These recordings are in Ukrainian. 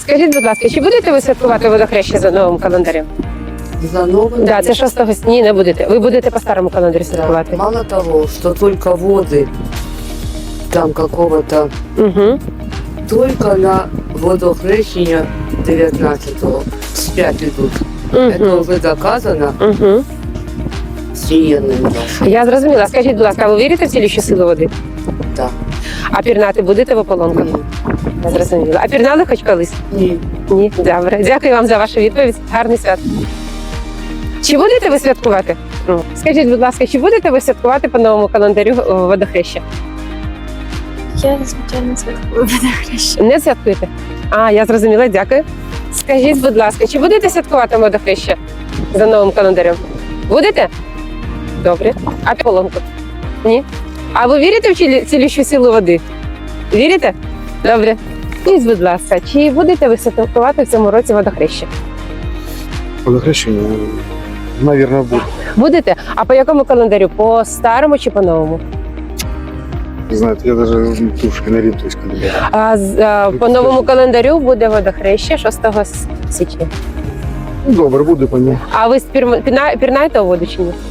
Скажіть, будь ласка, чи будете ви святкувати водохреща за новим календарем? За новым? Да, це 6 січня. Ні, не будете. Ви будете по старому календарю святкувати. Мало того, что только воды там какого-то, Угу. только на водохрещення 19-го спять идут. Это уже доказано Угу. сіяним. Я зрозуміла. Скажіть, будь ласка, а ви вірите в цілющу силу води? Так. А пірнати будете в ополонках? Я зрозуміла. А пірнали хоч колись? Ні. Ні, добре. Дякую вам за вашу відповідь. Гарний свят. Чи будете ви святкувати? Скажіть, будь ласка, чи будете ви святкувати по новому календарю водохреща? Я, звичайно, святкую водохреща. Не святкуєте? А, я зрозуміла, дякую. Скажіть, будь ласка, чи будете святкувати водохреща за новим календарем? Будете? Добре. А полонку? Ні? А ви вірите в цілющу силу води? Вірите? Добре. Скажіть, будь ласка, чи будете ви святкувати в цьому році водохреща? Водохрещення, мабуть, буде. Будете? А по якому календарю? По старому чи по новому? Знаєте, я навіть трошки не орієнтуюсь календаря. По новому календарю буде водохреща 6 січня. Добре, буде по ньому. А ви пірнаєте у воду чи ні?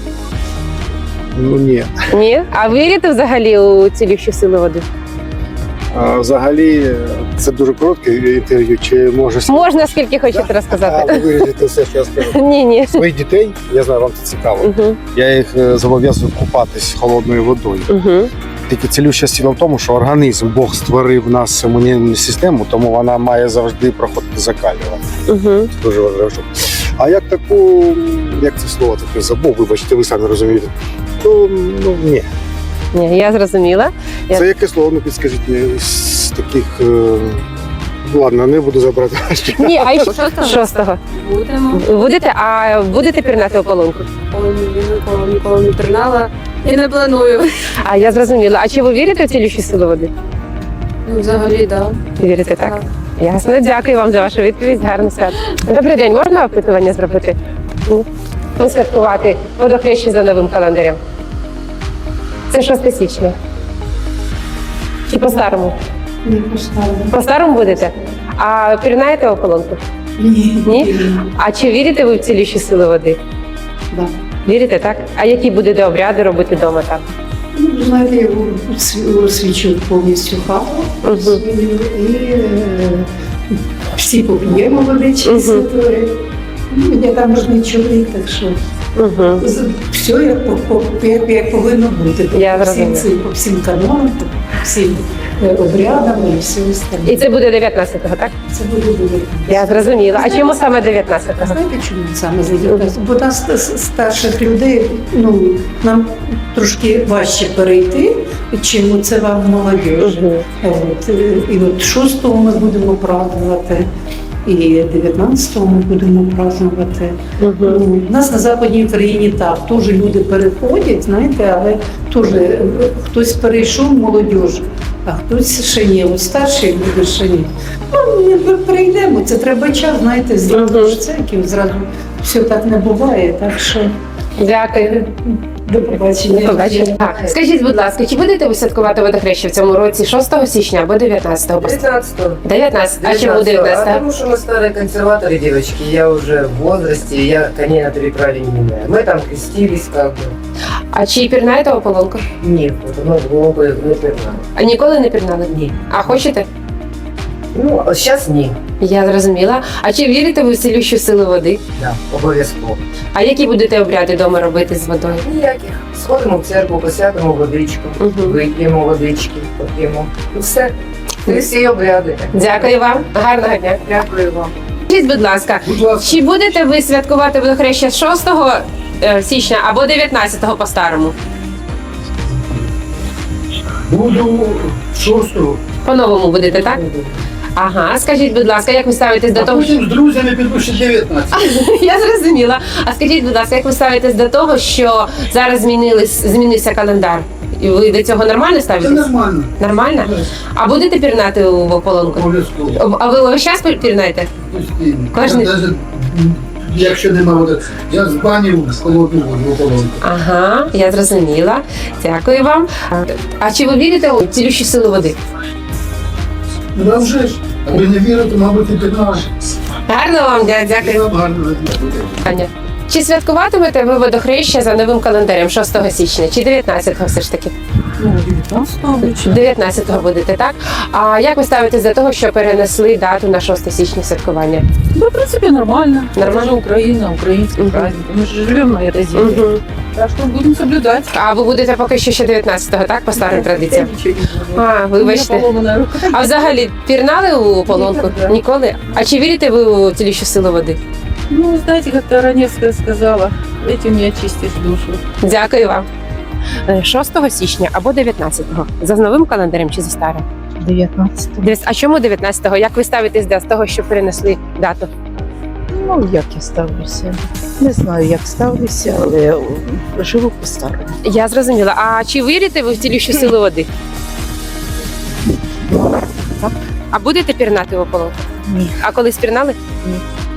Ну ні. Ні? А ви вірите взагалі у цілющу силу води? А взагалі, це дуже коротке інтерв'ю, чи може... Можна скільки хочете розказати? ви вирішите все, що я скажу. Ні, ні. Своїх дітей, я знаю, вам це цікаво, Угу. я їх зобов'язую купатись холодною водою. Угу. Тільки цілюща сила в тому, що організм, Бог створив нас імунну систему, тому вона має завжди проходити закалювання. Угу. Це дуже важливо. А як таку, як це слово таке забув, вибачте, ви самі розумієте, то ні. Ні, я зрозуміла. Це яке слово, ну підскажіть мені, з таких, ладно, не буду забрати. Ні, а ще 6-го. Будемо. Будете? А будете пірнати у полонку? Ніколи не пірнала і не планую. А я зрозуміла. А чи ви вірите в цілющу силу води? Ну, взагалі, так. Вірите, так? Ясно. Дякую вам за вашу відповідь. Гарний свят. Добрий день. Можна опитування зробити? Ні? Ну, святкувати водохреща за новим календарем. Це 6 січня. Чи по-старому? Не поставлю. По-старому будете? А пірнаєте ополонку? Ні. Ні? А чи вірите ви в цілющу силу води? Да. Вірите, так? А які будете обряди робити вдома там? Ну, знаєте, я освічу повністю хату Мгм. і всі поп'ємо водички Мгм. святої. Ну, я там можний чоловік, так що Угу. все як повинно бути. Я По всім зрозуміла. по всім канонам, по всім обрядам і все остальне. І це буде 19-го, так? Це буде. Я зрозуміла. А чому саме 19-го? Знаєте, чому саме за Бо нас старших людей, ну, нам трошки важче перейти, чим це вам молодіж. Угу. І от 6-го ми будемо празднувати, і 19-го ми будемо празднувати. Угу. Ну, у нас на Западній Україні так, теж люди переходять, знаєте, але теж хтось перейшов молодіж, а хтось ще ні. От старші люди ще ні. Ну, ми перейдемо, це треба час, знаєте, зразу ж це, зразу все так не буває, так що Дякую. до побачення. До побачення. Скажіть, будь ласка, чи будете ви святкувати водохреща в цьому році 6 січня або 19-го? 19-го. 19. А чому 19? Потому что мы старые консерваторы, девочки. Я уже в возрасте, я коней на переправе не меняю. Мы там крестились как бы. А чи пірнаєте ополонку? Нет, вот мы глубоко не пернали. А ніколи не пірнали? Ні. А хочете? Ну, а сейчас ні. Я зрозуміла. А чи вірите ви в цілющу силу води? Да, обов'язково. А які будете обряди вдома робити з водою? Ніяких. Сходимо в церкву, посвятимо водичку, Мгм. вип'ємо водички, поп'ємо. І все. Це всі обряди. Дякую вам. Гарного дня. Дякую вам. Скажіть, будь ласка, чи будете ви святкувати водохреща з 6 січня або 19-го по-старому? Буду 6-го, По-новому будете, так? Ага, скажіть, будь ласка, як ви ставитесь до а того, потім з друзями піду ще 19. Я зрозуміла. А скажіть, будь ласка, як ви ставитесь до того, що зараз змінився календар? І ви до цього нормально Це ставитесь? нормально, Нормально? А будете пірнати в ополонку? обов'язково. А ви весь час пірнаєте? Постійно. Кожний- Я навіть, якщо нема води, я з бані в холодну воду в ополонку. Ага, я зрозуміла. Дякую вам. А чи ви вірите у цілющу силу води? Ну, а вже ж, аби не вірити, мабуть, і 15. Гарно вам, дякую. Гарно. Аня. Чи святкуватимете ви водохреща за новим календарем 6 січня чи 19-го все ж таки? Ну, 19-го будете, так? А як ви ставитесь до того, що перенесли дату на 6 січня святкування? Ну, в принципе, нормально. Нормально? Это же Украина, украинский Мгм. праздник. Мы же живем на этой земле. Угу. Так что будем соблюдать. А ви будете поки що ще 19-го, так? По старим традиціям? Я ничего не буду. А, У меня вибачте. поломанная рука. А взагалі пірнали у полонку? Ніколи. Ніколи? А чи вірите ви у цілющу силу води? Ну, знаете, как Тараневская сказала, этим не очистишь душу. Дякую вам. 6 січня або 19-го? За новим календарем чи за старим? 19. А чому 19-го? Як ви ставитесь до того, що перенесли дату? Ну, як я ставлюся? Не знаю, як ставлюся, але живу по-старому. Я зрозуміла. А чи вірите ви в цілющу силу води? Так. А будете пірнати у полонку? Ні. А колись пірнали? Ні.